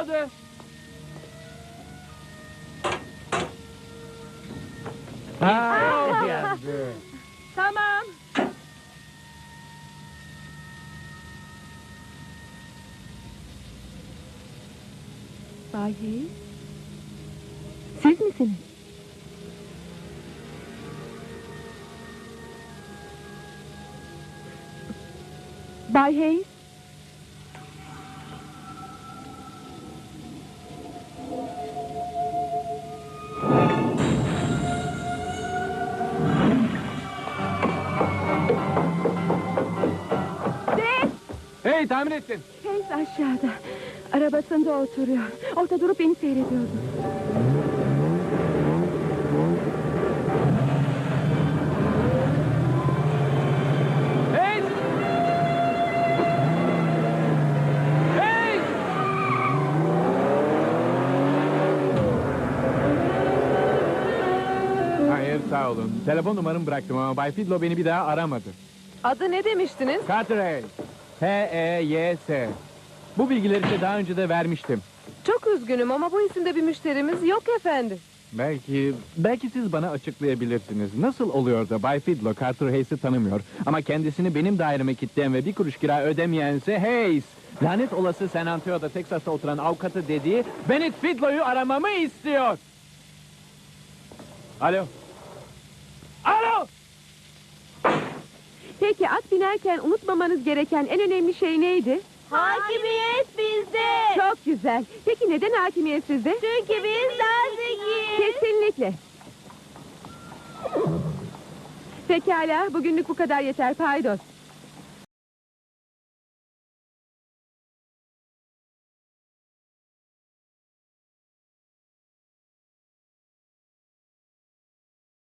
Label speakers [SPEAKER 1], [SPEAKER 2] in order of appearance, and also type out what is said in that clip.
[SPEAKER 1] aşağıda.
[SPEAKER 2] Tamam. Bay Hayes, siz misiniz? Bay Hayes?
[SPEAKER 1] Hey, tahmin ettin.
[SPEAKER 2] Hayes aşağıda. Arabasında oturuyor. Orada durup beni seyrediyordu.
[SPEAKER 1] Hey! Hey! Hayır, sağ olun. Telefon numaramı bıraktım ama Bay Fidlo beni bir daha aramadı.
[SPEAKER 3] Adı ne demiştiniz?
[SPEAKER 1] Carteret. H-E-Y-S. Bu bilgileri size daha önce de vermiştim.
[SPEAKER 3] Çok üzgünüm ama bu isimde bir müşterimiz yok efendim.
[SPEAKER 1] Belki siz bana açıklayabilirsiniz. Nasıl oluyor da Bay Fidlo Carter Hayes'i tanımıyor ama kendisini benim daireme kilitleyen ve bir kuruş kira ödemeyense Hayes. Lanet olası San Antonio'da Texas'ta oturan avukatı dediği Bennett Fidlo'yu aramamı istiyor. Alo. Alo!
[SPEAKER 2] Peki at binerken unutmamanız gereken en önemli şey neydi?
[SPEAKER 4] Hakimiyet bizde.
[SPEAKER 2] Çok güzel. Peki neden hakimiyet sizde?
[SPEAKER 4] Çünkü biz daha zekiyiz.
[SPEAKER 2] Kesinlikle. Pekala, bugünlük bu kadar yeter. Paydos.